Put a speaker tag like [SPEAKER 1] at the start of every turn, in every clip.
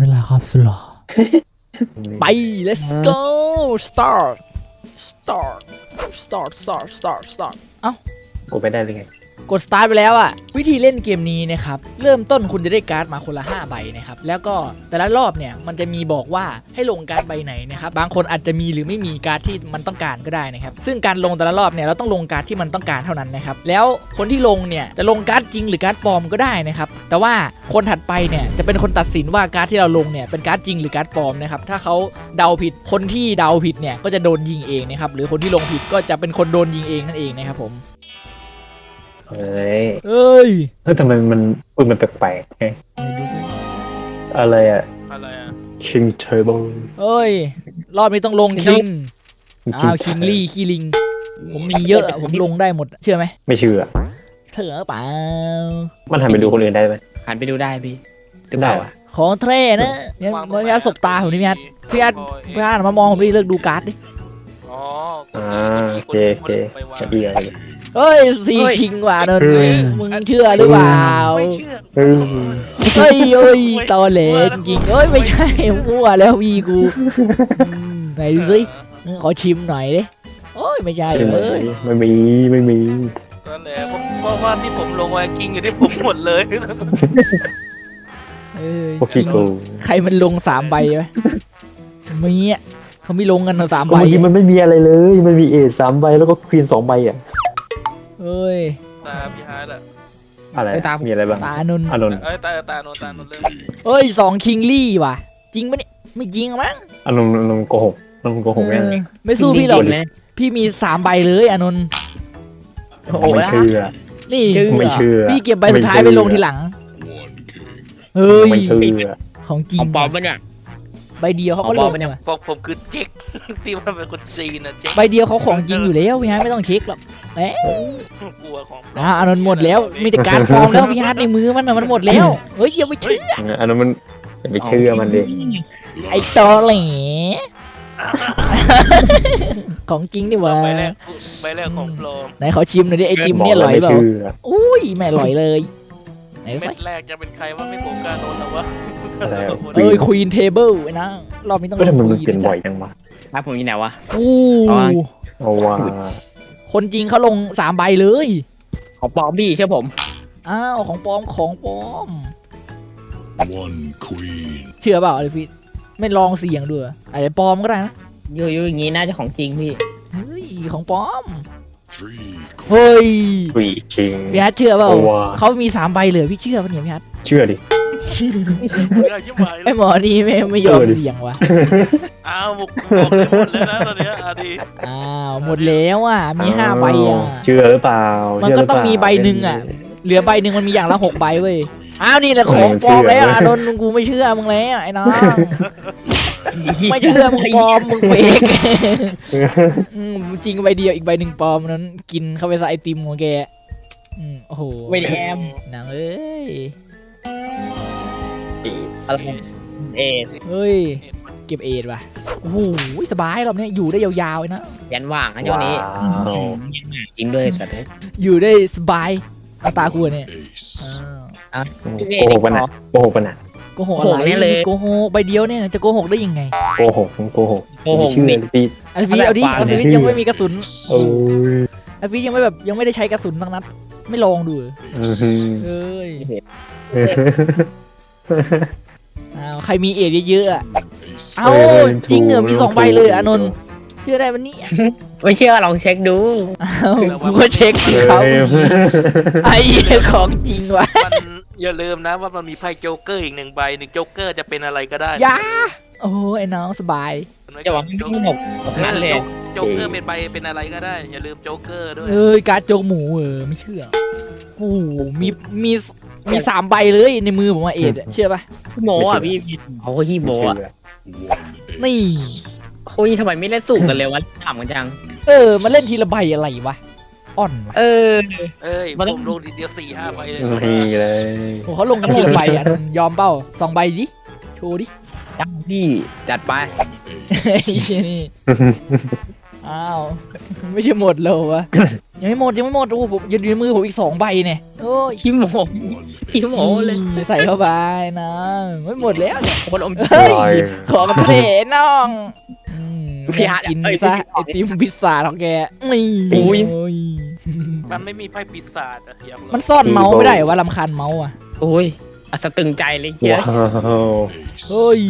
[SPEAKER 1] เวลาครับสุดหล่อ ไป let's go start เอ้า
[SPEAKER 2] กูไปได้เลยไง
[SPEAKER 1] กด start ไปแล้วอะวิธีเล่นเกมนี้นะครับเริ่มต้นคุณจะได้การ์ดมาคนละ5ใบนะครับแล้วก็แต่ละรอบเนี่ยมันจะมีบอกว่าให้ลงการ์ดใบไหนนะครับบางคนอาจจะมีหรือไม่มีการ์ดที่มันต้องการก็ได้นะครับซึ่งการลงแต่ละรอบเนี่ยเราต้องลงการ์ดที่มันต้องการเท่านั้นนะครับแล้วคนที่ลงเนี่ยจะลงการ์ดจริงหรือการ์ดปลอมก็ได้นะครับแต่ว่าคนถัดไปเนี่ยจะเป็นคนตัดสินว่าการ์ดที่เราลงเนี่ยเป็นการ์ดจริงหรือการ์ดปลอมนะครับถ้าเขาเดาผิดคนที่เดาผิดเนี่ยก็จะโดนยิงเองนะครับหรือคนที่ลงผิดก็จะเป็นคนโดนยิงเองนั่นเองนะครับผม
[SPEAKER 2] เฮ้ย
[SPEAKER 1] เอ้ย
[SPEAKER 2] ทำไมมันพูดมันแปลกๆไงอะไรอ่ะ King Table
[SPEAKER 1] เอ้ยรอบนี้ต้องลงคิงคิงลี่ขี้ลิงผมมีเยอะอะผมลงได้หมดเชื่อไหม
[SPEAKER 2] ไม่เชื่อ
[SPEAKER 1] เถอะเปล่า
[SPEAKER 2] มันหันไปดูคนอื่นได้ไหม
[SPEAKER 3] หันไปดูได้พี่หรือเปล่าอ่ะ
[SPEAKER 1] ของเทรนะเนี่ยพี่อาร์ตสบตาผมนี่พี่อาร์ตมามองผมดิเลิกดูการ์ดดิ
[SPEAKER 4] อ๋อ
[SPEAKER 2] โอเคจะดีอะไร
[SPEAKER 1] เฮ้ยซีคิงว่ะนนมึงเชื่อหรือเปล่า
[SPEAKER 4] ไม่เชื่อ
[SPEAKER 2] เออ
[SPEAKER 1] เฮ้ยตอเหลนจริงเอ้ยไม่ใช่มั่วแล้ววีกูไหนดูสิขอชิมหน่อยดิโอ้ยไม่ใช่เลย
[SPEAKER 2] ไม่มี
[SPEAKER 4] นั่นแหละเพราะว่าที่ผมลงไวกิ้งอยู่ที่ผมหมดเลย
[SPEAKER 2] พวกขี้โกง
[SPEAKER 1] ใครมันลง3 ใบไหมมีอ่ะเขาไม่ลงกันทั้ง3 ใบ
[SPEAKER 2] เมื่อกี้มันไม่มีอะไรเลยมันมีเอท3 ใบแล้วก็ควีน2 ใบอ่ะ
[SPEAKER 1] เอ้ย
[SPEAKER 4] ตาพี่ฮาร์ดอะ
[SPEAKER 2] อะไรมีอะไรบ้าง
[SPEAKER 1] ตาอนนท์
[SPEAKER 2] อานนท์
[SPEAKER 4] ตาโนนเรื่อง
[SPEAKER 1] เอ้ย2 คิงลี่ว่ะจริงปะเนี่ยไม่จริงมั้ง
[SPEAKER 2] อานนท์โกหกแม่ง
[SPEAKER 1] ไม่สู้พี่หรอก
[SPEAKER 3] จงๆนะ
[SPEAKER 1] พี่มี3 ใบเลยอานนท์
[SPEAKER 2] ไม่เชื่อ
[SPEAKER 1] นี่
[SPEAKER 2] ไม่เชื่อ
[SPEAKER 1] พี่เก็บใบสุดท้ายไปลงทีหลังเฮ้ย
[SPEAKER 2] ไม่เชื่อ
[SPEAKER 1] ของจริง
[SPEAKER 3] ของปลอมปะเนี่ย
[SPEAKER 1] ใบเดียวเขาก็ลง
[SPEAKER 3] ของปลอมปะเนี่ย
[SPEAKER 1] ว่ะ
[SPEAKER 4] ผมคือเจ๊กที่มันเป็นคนจีนนะเจ๊ก
[SPEAKER 1] ใบเดียวเขาของจริงอยู่แล้วพี่ฮาร์ดไม่ต้องเช็คหรอกเอ๊ะ
[SPEAKER 4] กลัวของ
[SPEAKER 1] อานนท์หมดแล้วมีแต่การปลอมแล้วพี่ฮาร์ดในมือมันน่ะมันหมดแล้วเฮ้ยอย่าไปเชื่อ
[SPEAKER 2] อันนั้นมันอย่าไปเชื่อมันดิ
[SPEAKER 1] ไอ้ตอแหลของจริงดิวะ
[SPEAKER 4] ใบแรกของปลอม
[SPEAKER 1] ไหนขอชิมหน่อยดิไอติมเนี่ยอร่อยเปล่าอุ้ยไม่อร่อยเลยไหน
[SPEAKER 4] เม็
[SPEAKER 1] สัก
[SPEAKER 4] ดแรกจะเป็นใครว่าไม่ผมกล้าโดนหรอวะ
[SPEAKER 1] เอ้ยควีนเทเบิลไอ้นะรอบนี้ต้อง
[SPEAKER 2] ก็ทำไมมัน
[SPEAKER 1] queen
[SPEAKER 2] เปลี่ยนบ่อยจังวะ
[SPEAKER 3] ครับผมอยู่ไหนวะ
[SPEAKER 1] อู้
[SPEAKER 2] เอาว่า
[SPEAKER 1] คนจริงเขาลง3 ใบเลย
[SPEAKER 3] ของปลอมพี่เชื่อผม
[SPEAKER 1] อ้าวของปลอม
[SPEAKER 5] One queen.
[SPEAKER 1] เชื่อเปล่าอะไรพี่ไม่ลองเสี่ยงด้วยอาจจะปลอมก็ได้นะ
[SPEAKER 3] อยู่อย่างงี้น่าจะของจริงพี่
[SPEAKER 1] เฮ้ยของปลอม
[SPEAKER 5] Three
[SPEAKER 1] เฮ้ย
[SPEAKER 2] วีคิง
[SPEAKER 1] พี่ฮัทเชื่อเปล่า
[SPEAKER 2] เอาว่ะ
[SPEAKER 1] เขามี3 ใบเลยพี่เชื่อปะเนี่ยพี่ฮัท
[SPEAKER 2] เชื่อดิ
[SPEAKER 4] ไม่ได้ยิ่งใบ
[SPEAKER 1] ไอหมอนี่ไม่ยอมเสี่ยงว่ะ
[SPEAKER 4] อ้าวบุกบอกเลยหมดแล้วนะตอนเนี้ยดี
[SPEAKER 1] อ้าวหมดแล้วอ่ะมี5 ใบอ่ะ
[SPEAKER 2] เชื่อหรือเปล่า
[SPEAKER 1] มันก็ต้องมีใบหนึ่งอ่ะ เหลือใบหนึ่งมันมีอย่างละ6 ใบเว้ย อ้าวนี่แหละของปลอมแล้วอานนท์กูไม่เชื่อมึงแล้วไอ้น้องไม่เชื่อมึงปลอมมึงเฟกจริงใบเดียวอีกใบหนึ่งปลอมนั้นกินเข้าไปใส่ไอติมของแกโอ้โห
[SPEAKER 3] ไม่ได้แอม
[SPEAKER 1] นางเอ้ย
[SPEAKER 3] อะไรเอส
[SPEAKER 1] เฮ้ยเก็บเอทว่ะโอ้โหสบายรอบนี้อยู่ได้ยาวๆเลยนะ
[SPEAKER 3] ยันว่างนะเจ้านี้
[SPEAKER 2] ว้าว
[SPEAKER 3] จริงด้วยสัตว์เลย
[SPEAKER 1] อยู่ได้สบายตาคุณเนี่ย
[SPEAKER 5] ace.
[SPEAKER 2] โกหกปะน่ะโกหกปะน่ะ
[SPEAKER 1] โกหกอะไรโกหกใบเดียวเนี่ยจะโกหกได้ยังไง
[SPEAKER 2] โกหกไม่เชื่อพี่
[SPEAKER 1] อันฟีเอาดิอันฟียังไม่มีกระสุน
[SPEAKER 2] โอ้ย
[SPEAKER 1] อันฟียังไม่แบบยังไม่ได้ใช้กระสุนทั้งนัดไม่ลองดู
[SPEAKER 2] อื้อหือ
[SPEAKER 1] เอ้ยอ้าวใครมีเอทเยอะๆอ่ะเอ้าจริงเหรอมี2 ใบเลยอานนท์เชื่อได้วันนี้
[SPEAKER 3] ไม่เชื่อลองเช็คดู
[SPEAKER 1] อ้าวกูก็เช็คดิครับไอ้ของจริงว่ะ
[SPEAKER 4] มันอย่าลืมนะว่ามันมีไพ่โจ๊กเกอร์อีก1 ใบโจ๊กเกอร์จะเป็นอะไรก็ได้
[SPEAKER 1] ยาโอ้ยไอ้น้องสบาย
[SPEAKER 3] จะหวังไม่หมดนั้นเลย
[SPEAKER 4] โจ๊กเกอร์เป็นใบเป็นอะไรก็ได้ อย่าลืมโจ๊กเกอร์ด้วย
[SPEAKER 1] เอ้ยการ์ดโจกหมูไม่เชื่อโอ้โหมี3 ใบเลยในมือผมว่าเอทเชื่อป่ะ
[SPEAKER 3] ขี้โมอ่ะพี่เขาก็ขี้โมอ่ะ
[SPEAKER 5] One
[SPEAKER 1] นี่
[SPEAKER 3] โอ้ยทำไมไม่เล่นสูงกันเลยวะถามกันจัง
[SPEAKER 1] มันเล่นทีละใบอะไรวะอ่อนวะ
[SPEAKER 3] เออ
[SPEAKER 4] เอ้ย
[SPEAKER 3] มัน
[SPEAKER 4] ผมลงทีเดียว4-5 ใบเลย
[SPEAKER 2] นี่เลย
[SPEAKER 1] โอ้เขาลงกันทีละใบอ่ะยอมเปล่า2 ใบดิโชว์ดิ
[SPEAKER 3] จังพี่จัดไป
[SPEAKER 1] ไอ้เหี้ยนี่อ้าว ไม่ใช่หมดเลยวะ ยังไม่หมดโอ้โหผมยังอยู่ในมือผมอีก2 ใบเนี่ยโอ้ย
[SPEAKER 3] ขี้โม
[SPEAKER 5] One
[SPEAKER 3] ขี้โมเลย
[SPEAKER 1] ใส่เข้าไปนะไม่หมดแล้วเนี่ย
[SPEAKER 3] คนอม
[SPEAKER 1] เฮ้ย
[SPEAKER 2] ลอย
[SPEAKER 1] ขอกระเทน้องอืม
[SPEAKER 3] พี่อาร์ต
[SPEAKER 1] กิน
[SPEAKER 3] เอ้ย
[SPEAKER 1] ซะไอติมพิซซ่าของแกนี่
[SPEAKER 3] โอ้ย
[SPEAKER 1] โอ้ย
[SPEAKER 4] มันไม่มีไพ่ปีศาจอะอยากรู้
[SPEAKER 1] มันซ่อนเมาส์ไม่ได้เหรอว่าลำคาญเมาส์อ่ะ
[SPEAKER 3] โอ้ยอัศตึงใจเลยเฮีย
[SPEAKER 2] ว้าว
[SPEAKER 1] เฮ้ย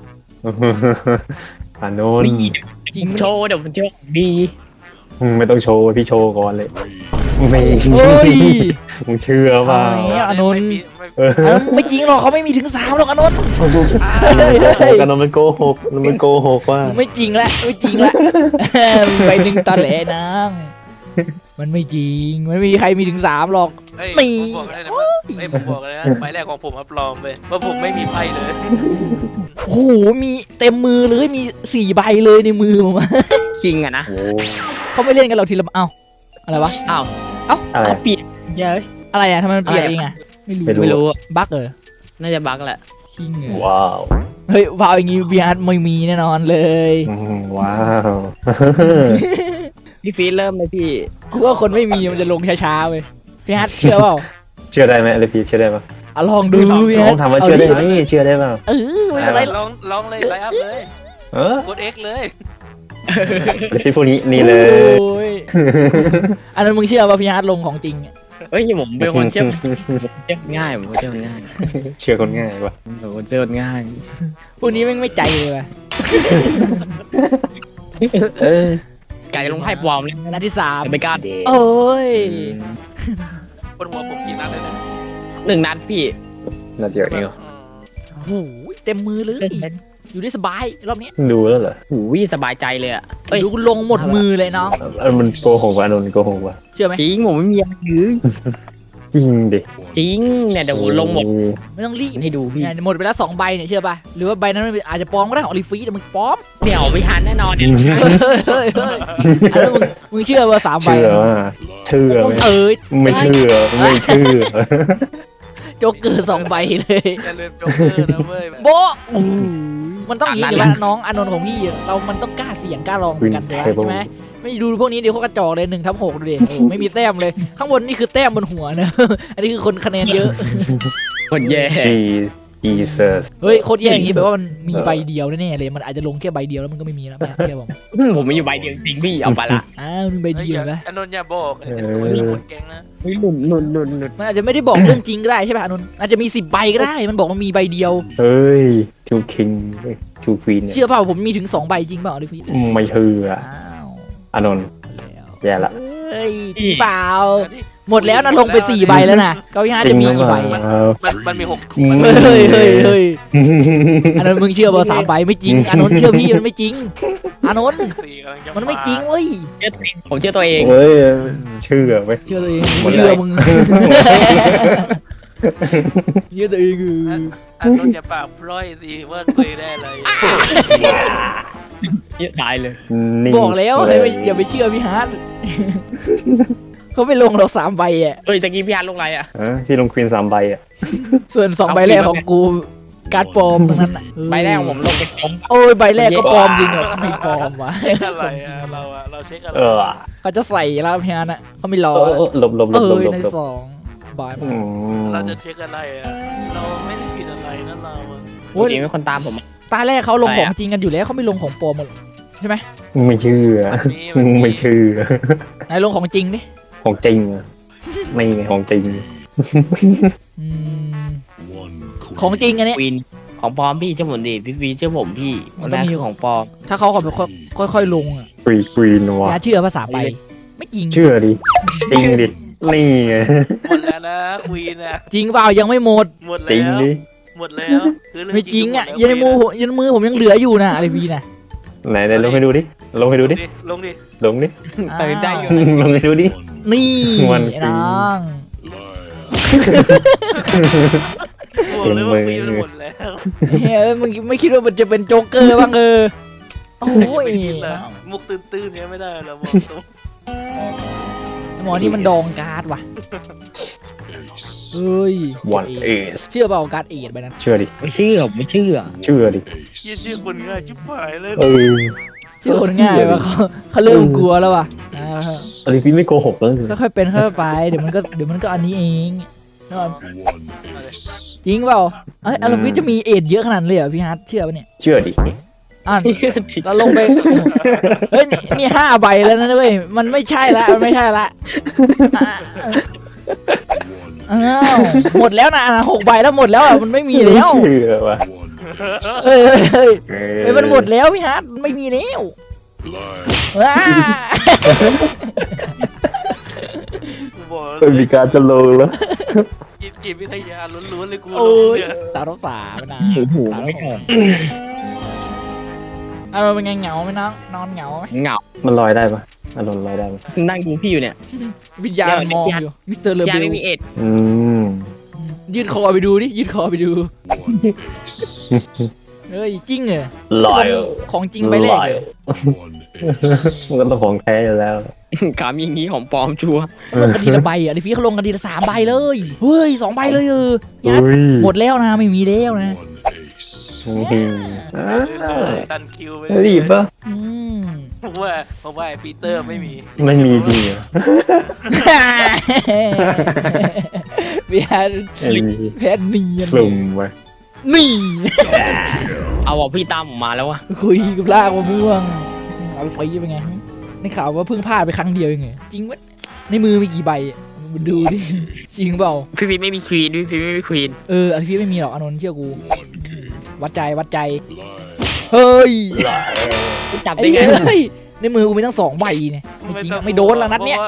[SPEAKER 2] อานนท์
[SPEAKER 1] จริง
[SPEAKER 3] โชว์เดี๋ยวมันโชว์ดี
[SPEAKER 2] ไม่ต้องโชว์พี่โชว์ก่อนเลย
[SPEAKER 5] three.
[SPEAKER 2] ไม่
[SPEAKER 1] เฮ้ย
[SPEAKER 2] มึงเชื่อเปล่า
[SPEAKER 1] เอาแล้ว อานนท์
[SPEAKER 2] เออ
[SPEAKER 1] อ่ะไม่จริงหรอกเขาไม่มีถึง3หรอกอานนท์
[SPEAKER 2] โอ้กันมันโกหกมันโกหกว่า
[SPEAKER 1] ไม่จริงละไม่จริงละ ไปหนึ่งตอนแหลนางมันไม่จริงมันไม่มีใครมีถึง3หรอก
[SPEAKER 4] เอ้ย
[SPEAKER 1] นี่
[SPEAKER 4] ผมบอกเลยนะว่าเอ้ยผมบอกเลยนะใบแรกของผมอัปลอมเลยว่าผมไม่มีไพ่เลย
[SPEAKER 1] โอ้โหมีเต็มมือเลยมี4 ใบเลยในมือผมอะ
[SPEAKER 3] จริงอะนะ
[SPEAKER 2] โอ้
[SPEAKER 1] เขาไม่เล่นกันเราทีละเอ้าอะไรวะ
[SPEAKER 3] อ้าว
[SPEAKER 2] อะไร
[SPEAKER 3] เอาเปลี่ยนเยอะ
[SPEAKER 1] อะไรอะทำไมมันเปลี่ยน
[SPEAKER 3] อะไร
[SPEAKER 1] เองอะไม่รู้
[SPEAKER 3] ไม่รู้อะ
[SPEAKER 1] บั๊กเหรอ
[SPEAKER 3] น่าจะบั๊กแหละ
[SPEAKER 1] คิงเหรอ
[SPEAKER 2] ว้าว
[SPEAKER 1] เฮ้ยวาวอย่างงี้บีอาร์ไม่มีแน่นอนเลย
[SPEAKER 2] ว้าว
[SPEAKER 3] พี่ฟีดเริ่มเลยพี่
[SPEAKER 1] กูว่าคนไม่มีมันจะลงช้าๆเว้ยพี่ฮัทเชื่อเปล่า
[SPEAKER 2] เชื่อได้ไหมอะไรพี่เชื่อได้ปะ
[SPEAKER 1] อ่ะลองดูพี่
[SPEAKER 2] น้
[SPEAKER 1] ฮั
[SPEAKER 2] อ
[SPEAKER 1] ท
[SPEAKER 2] งถามว่าเชื่อได้ไหมเชื่อได้ปะ
[SPEAKER 1] เออไม่เป็นไรหรอก
[SPEAKER 4] ลองเลยไลน์อัพเลย
[SPEAKER 2] เออก
[SPEAKER 4] ด X เลย
[SPEAKER 2] พี่พวกนี้นี่เลย
[SPEAKER 1] โอ้ยอันนั้นมึงเชื่อป่ะพี่ฮัทลงของจริงอะ
[SPEAKER 3] เฮ้ยผมเป็นคนเชื่อง่ายผมเชื่อง่าย
[SPEAKER 2] เชื่อคนง่ายปะ
[SPEAKER 3] ผมคนเชื่อง่าย
[SPEAKER 1] พวกนี้แม่งไม่ใจเลยว่ะ
[SPEAKER 2] เออ
[SPEAKER 3] ไก่ลงไพ่ปลอมเลย
[SPEAKER 1] นัดที่3
[SPEAKER 3] แต่ไม่กล้า
[SPEAKER 1] โอ้ย
[SPEAKER 4] บนหัวผมกี่นัดเลยนะ
[SPEAKER 3] 1 นัดพี่
[SPEAKER 2] น่าเดียวเองเหรอ
[SPEAKER 1] โอ้โหเต็มมือเลยอยู่ได้สบายรอบนี้
[SPEAKER 2] ดูแล้วเหรอ
[SPEAKER 3] หูยสบายใจเลยอะเอ้ย
[SPEAKER 1] ดูลงหมดมือเลยน้อง
[SPEAKER 2] มันโกหกวะนนท์โกหกวะ
[SPEAKER 1] เชื่อไหม
[SPEAKER 3] จริงผมไม่มีอะไรเลย
[SPEAKER 2] จริงดิ
[SPEAKER 3] จริงเนี่ยเดี๋ยวผมลงหมด
[SPEAKER 1] ไม่ต้องรีบ
[SPEAKER 3] ให้ดูพี่
[SPEAKER 1] เนี่ยหมดไปแล้ว2 ใบเนี่ยเชื่อป่ะหรือว่าใบนั้นมันอาจจะปลอมก็ได้ของอลิฟีแต่มึงปลอม
[SPEAKER 3] เดี๋ยวไม่ทันแน่นอน
[SPEAKER 1] เฮ้ยอันนั้นมึงเชื่อว่า3 ใบ
[SPEAKER 2] เชื่อว่าเชื่อไหม
[SPEAKER 1] เอ้ย
[SPEAKER 2] ไม่เชื่อไม่เชื่อ
[SPEAKER 1] โจ๊กเกอร์2 ใบเลย
[SPEAKER 4] อย่าลืมโจ๊กเกอร์นะเว้ย
[SPEAKER 1] โบะอู้มันต้องอย่างนี้เดี๋ยวว่าน้องอานนท์ของพี่มันต้องกล้าเสี่ยงกล้าลองเหมือนกันเดี๋ยวใช่ไหมไม่ดูพวกนี้เดี๋ยวเขากระจอกเลย1/6ดูดิโอ้โหไม่มีแต้มเลย ข้างบนนี่คือแต้มบนหัวนะ อันนี้คือคนคะแนนเยอะ
[SPEAKER 3] คนแย่
[SPEAKER 2] Jesus
[SPEAKER 1] เฮ้ยโคตรแย่อย่างนี้แปลว่ามันมีใบเดียวแน่ๆเลยมันอาจจะลงแค่ใบเดียวแล้วมันก็ไม่มีแล้วแบบเทียบผม
[SPEAKER 3] ผมมีอยู่ใบเดียวจริงพี่เอาไปละ
[SPEAKER 1] อ้าวมีใบ
[SPEAKER 4] เฮ้ย
[SPEAKER 1] เดียว
[SPEAKER 4] อย่า
[SPEAKER 1] นะ
[SPEAKER 4] อานนท์อย่าบอกเดี๋ยวตัวนี้คนแก๊งนะ
[SPEAKER 3] เฮ้ยหนุน
[SPEAKER 1] มันอาจจะไม่ได้บอกเรื่องจริงก็ได้ใช่ป่ะอานนท์อาจจะมี10 ใบก็ได้มันบอกมันมีใบเดียว
[SPEAKER 2] เฮ้ยทูคิงทูควีนเนี่ย
[SPEAKER 1] เชื่อเปล่าผมมีถึง2 ใบจริงเปล่าอลิฟี
[SPEAKER 2] ไม่เชื่อ
[SPEAKER 1] อ้าว
[SPEAKER 2] อานนท์แย่ละ
[SPEAKER 1] เฮ้ยจริงเปล่าหมดแล้วนะลงไป4 ใบแล้วนะก็พี่ฮาจะมีกี่ใบอะ
[SPEAKER 4] มันมี6
[SPEAKER 1] เฮ้ยอันนั้นมึงเชื่อเปล่า3 ใบไม่จริงอานนท์เชื่อพี่มันไม่จริงอานนท์
[SPEAKER 4] 4กำลังจะ
[SPEAKER 1] มันไม่จริงเว้ย
[SPEAKER 3] ผมเชื่อตัวเอง
[SPEAKER 2] เฮ้ยเชื่อไหม
[SPEAKER 1] เชื่อตัวเอง
[SPEAKER 2] หมดเลย
[SPEAKER 1] เชื่อมึงเชื่อตัวเอง
[SPEAKER 4] อานนท์อย่าปากพร่อยสิว่าเคยได้อะไร
[SPEAKER 3] ตายเลย
[SPEAKER 2] นิ่ง
[SPEAKER 1] บอกแล้วให้ไปอย่าไปเชื่อพี่ฮาร์ดเขาไม่ลงเรา3 ใบอ่ะ
[SPEAKER 3] เอ้ยตะกี้พี่ฮันลงอะไรอะ
[SPEAKER 2] ที่ลงควีน3 ใบอ่ะ
[SPEAKER 1] ส่วน2 ใบแรกของกูการ์ดปลอมตรงนั้นอ่ะ
[SPEAKER 3] ใบแรกของผมลงไปผม
[SPEAKER 1] โอ้ยใบแรกก็ปลอมจริงเหรอไม่ปลอมวะ
[SPEAKER 4] เช็คอะไรอะเราเช็คอะไร
[SPEAKER 2] เออ
[SPEAKER 1] เขาจะใส่แล้วพี่ฮาร์ดอ่ะเขาไม่รอ
[SPEAKER 2] หลบหลบหล
[SPEAKER 1] เอบ
[SPEAKER 2] หลบ
[SPEAKER 1] อ
[SPEAKER 2] หลบ
[SPEAKER 1] ใน
[SPEAKER 2] หลบ
[SPEAKER 1] 2 ใบ
[SPEAKER 4] เราจะเช็คอะไรอะเราไม่ได้ผิดอะไรนะเราอะ
[SPEAKER 1] โอ้ย
[SPEAKER 3] จริงเป็นคนตามผม
[SPEAKER 1] ตาแรกเขาลงของจริงกันอยู่แล้วเขาไม่ลงของปลอมหมดใช่ไหม
[SPEAKER 2] ไม่เชื่อไม่เชื่อ
[SPEAKER 1] ไหนลงของจริงดิ
[SPEAKER 2] ของจริงอ่ะไม่ไงของจริง
[SPEAKER 1] อืม
[SPEAKER 5] One
[SPEAKER 1] ของ
[SPEAKER 5] queen.
[SPEAKER 1] จริงอันเนี้ย
[SPEAKER 3] วินของปลอมพี่เชื่อผมดิพี่ฟีเชื่อผมพี่
[SPEAKER 1] มัน
[SPEAKER 3] น
[SPEAKER 1] ต้อง
[SPEAKER 3] แรก
[SPEAKER 1] มี
[SPEAKER 3] คือของปลอม
[SPEAKER 1] ถ้าเขาขอแบบค่อยๆลงอ่ะ
[SPEAKER 2] ควีนวะ
[SPEAKER 1] อย่าเชื่อภาษาไปไม่จริง
[SPEAKER 2] เชื่อดิจริงดินี่ไง
[SPEAKER 4] หมดแล้วนะควีนอะ
[SPEAKER 1] จริงเปล่ายังไม่หมด
[SPEAKER 4] หมด
[SPEAKER 2] จริง
[SPEAKER 4] แล้ว
[SPEAKER 2] ดิ
[SPEAKER 4] หมดแล้วคือเ
[SPEAKER 1] ไม่จริงอ่ะ
[SPEAKER 4] หมด
[SPEAKER 1] ยันในมือ
[SPEAKER 4] แล้ว
[SPEAKER 1] ยันมือผมยังเหลืออยู่นะอะไรวีนะ
[SPEAKER 2] ไหนลงให้ดูดิลงให้ดูดิ
[SPEAKER 4] ลงดิ
[SPEAKER 2] ลงดิ
[SPEAKER 3] เออได้อยู่
[SPEAKER 2] ลงให้ดูดิ
[SPEAKER 1] นี่
[SPEAKER 2] มัน
[SPEAKER 1] ไอ้น้อง
[SPEAKER 4] บอกเลยว่าควีนมันหมดแล้ว
[SPEAKER 1] เฮ้ยมึงไม่คิดว่ามันจะเป็นโจ๊กเกอร์บ้างโอ้ย
[SPEAKER 4] ไม่คิดละมุกตื้นๆเนี้ยไม่ได้เราบอกตรง
[SPEAKER 1] หมอนี่มันดองการ์ดว่ะ
[SPEAKER 5] Ace.
[SPEAKER 1] เฮ้ย
[SPEAKER 2] วันเอส
[SPEAKER 1] เชื่อเปล่าการ์ดเอทไปนั้น
[SPEAKER 2] เชื่อดิ
[SPEAKER 3] ไม่เชื่อผมไม่เชื่อ
[SPEAKER 5] One
[SPEAKER 2] เชื่อดิ
[SPEAKER 5] ace.
[SPEAKER 4] ชื่อคนง่ายชิบหายเลย
[SPEAKER 2] เออ
[SPEAKER 1] ชื่อคนง่ายว่ะเขาเริ่มกลัวแล้วว่ะ
[SPEAKER 2] อลิฟิไม่โกหกแล้วสิ
[SPEAKER 1] ค่อยๆเป็นค่อยๆไปเดี๋ยวมันก็อันนี้เองนะครับ
[SPEAKER 5] One ace.
[SPEAKER 1] จริงเปล่าเอ้ยอลฟิจะมีเอทเยอะขนาดนั้นเลยเหรอพี่ฮาร์ดเชื่อปะเนี่ย
[SPEAKER 2] เชื่อดิ
[SPEAKER 1] อ่ะเราลงไปเฮ้ยนี่5 ใบแล้วนะเว้ยมันไม่ใช่ละมันไม่ใช่ละอ้าวหมดแล้วนะ6 ใบแล้วหมดแล้วอ่ะมันไม่มีแล้ว
[SPEAKER 2] เชื่อว่ะ
[SPEAKER 1] เฮ้ยเฮ้ยมันหมดแล้วพี่ฮาร์ดมันไม่มีแล้ว
[SPEAKER 5] Lie.
[SPEAKER 1] ว้า
[SPEAKER 4] บอก
[SPEAKER 2] เป็นมีการจะลงแล้ว
[SPEAKER 4] จิตวิทยาล้วนๆเลยกู
[SPEAKER 1] โอ้ย
[SPEAKER 4] เนี่ย
[SPEAKER 1] สารสาไม่นะ
[SPEAKER 3] หูไม่ออก
[SPEAKER 1] เป็นไงเหงาไหมน้องนอนเหงาไหม
[SPEAKER 3] เหงา
[SPEAKER 2] มันลอยได้ปะอารมณ์ลอยได้ปะ
[SPEAKER 3] นั่งดูพี่อยู่เนี่ย
[SPEAKER 1] วิญญาณมองอยู่มิสเตอร์เล
[SPEAKER 3] ยา
[SPEAKER 1] เบล
[SPEAKER 3] ไม่มีเอ็ด
[SPEAKER 2] อืม
[SPEAKER 1] ยืดคอไปดูดิยืดคอไปดู
[SPEAKER 5] One ace.
[SPEAKER 1] เฮ้ยจริงเหรอ
[SPEAKER 2] ลอย
[SPEAKER 1] ของจริงไปแรก
[SPEAKER 2] ลอย
[SPEAKER 1] เลย
[SPEAKER 5] One ace.
[SPEAKER 2] มันก็ต้องของแท้อยู่แล้ว
[SPEAKER 3] ขามีอย่างงี้ของปลอมชัวร์
[SPEAKER 1] ลงกันทีละใบอ่ะดิฟี่เขาลงกันทีละ3 ใบเลยเฮ้ย2 ใบเลยยัด
[SPEAKER 2] อุ้ย
[SPEAKER 1] หมดแล้วนะไม่มีแล้วนะ
[SPEAKER 5] One ace.
[SPEAKER 4] ตันคิวไป
[SPEAKER 2] รีบปะ
[SPEAKER 1] อืม
[SPEAKER 4] ผมว่าไอ้ปีเตอร์ไม่มี
[SPEAKER 2] ไม่มีจริงเหรอ
[SPEAKER 1] พี่แอน
[SPEAKER 2] ไม่มี
[SPEAKER 1] พี่แอนเนียน
[SPEAKER 2] สุ่มไว้
[SPEAKER 1] นี่
[SPEAKER 3] เอาบอกพี่ตามผมมาแล้ววะ
[SPEAKER 1] คุยกับลากมะม่วงเอาไปฟรีเป็นไงในข่าวว่าเพิ่งพลาดไปครั้งเดียวเองเหรอจริงวะในมือมีกี่ใบอะมาดูดิจริงเปล่า
[SPEAKER 3] พี่พีทไม่มีควีนพี่พีทไม่มีควีน
[SPEAKER 1] อันนี้พี่ไม่มีหรอกอานนท์เชื่อกู
[SPEAKER 5] One king.
[SPEAKER 1] วัดใจ
[SPEAKER 5] Lie.
[SPEAKER 1] เฮ้ย
[SPEAKER 3] จับ
[SPEAKER 1] ไอ้
[SPEAKER 3] ได้ไง
[SPEAKER 1] เฮ้ยในมือกูมีตั้ง2 ใบเนี่ยไม่จริงอะไม่โดนแล้วนัดเนี้ย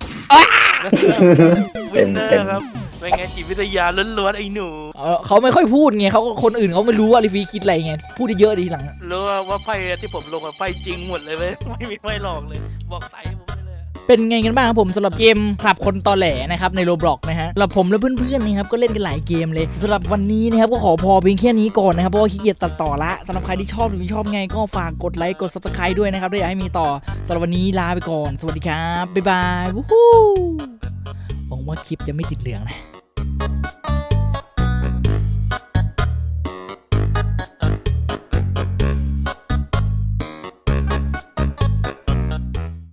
[SPEAKER 4] วินเนอร์ครับเป็นไงจิตวิทยาล้วนๆไอ้หนู
[SPEAKER 1] เขาไม่ค่อยพูดไงเขาคนอื่นเขาไม่รู้ว่าลิฟีคิดอะไรไงพูดเยอะๆดีหลัง
[SPEAKER 4] รู้ว่าไพ่ที่ผมลงไพ่จริงหมดเลยเว้ยไม่มีไพ่หลอกเลย บอกใส่ผมไปเลย
[SPEAKER 1] เป็นไงกันบ้างครับผมสำหรับเกมขับคนตอแหลนะครับในโรบล็อกนะฮะสำหรับผมและเพื่อนๆนะครับก็เล่นกันหลายเกมเลยสำหรับวันนี้นะครับก็ขอพอเพียงแค่นี้ก่อนนะครับเพราะว่าขี้เกียจตัดต่อละสำหรับใครที่ชอบหรือไม่ชอบไงก็ฝากกดไลค์กด Subscribe ด้วยนะครับถ้าอยากให้มีต่อสำหรับวันนี้ลาไปก่อนสวัสดีครับบ๊ายบายวู้ฮู้หวังว่าคลิปจะไม่ติดเหลืองนะ